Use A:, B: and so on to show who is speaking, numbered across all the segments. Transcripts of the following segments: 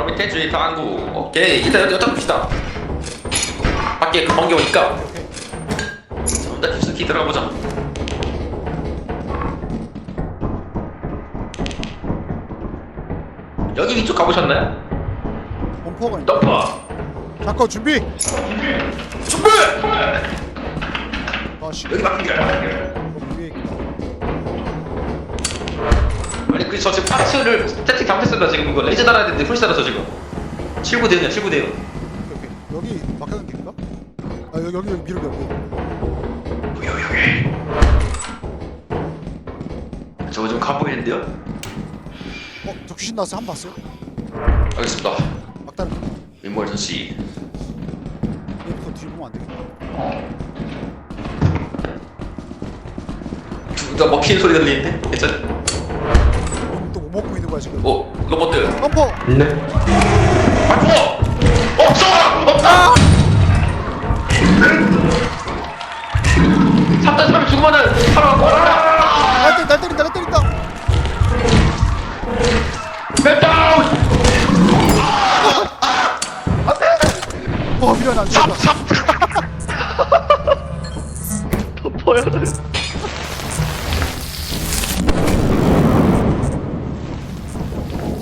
A: 바로 밑에 주의 강구. 오케이. 일단 여기다 봅시다. 밖에 금방 오니까. 자, 일단 깊숙이 들어가 보자. 여기 위쪽 가보셨나요?
B: 범퍼가 있네.
A: 덤퍼.
B: 잠깐 준비.
A: 준비.
B: 아 씨.
A: 여기 막힌 길.
B: 위에 있구나.
A: 아니 그 저 지금 파츠를 세팅 잘못했습니다. 지금 이거 레이저 달아야 되는데 풀 달아서 지금. 7구대요, 7구대요.
B: 오케이. 여기 막혀는 길인가? 아 여기 미로 여기.
A: 여기. 저거 좀 가보이는데요?
B: 저 귀신 나왔어. 한 번 봤어요?
A: 알겠습니다.
B: 막다른 거.
A: 인멀전시.
B: 얘부터 뒤 보면 안 되겠다.
A: 누가 먹히는 소리가 들리는데? 괜찮아?
B: 또뭐 먹고 있는 거야 지금?
A: 로봇들.
B: 범퍼.
A: 네. 맞고! 없어! 없다! 3단 3을 죽으면은 살아가고
B: 날 때린다.
A: 맵다운!
B: 미련 안 된다.
A: 덮어야 돼.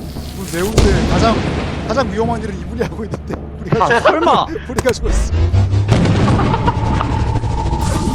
B: 매운데 가장 위험한 일을 이분이 하고 있는데 우리가
C: 설마
B: 우리가 죽었어.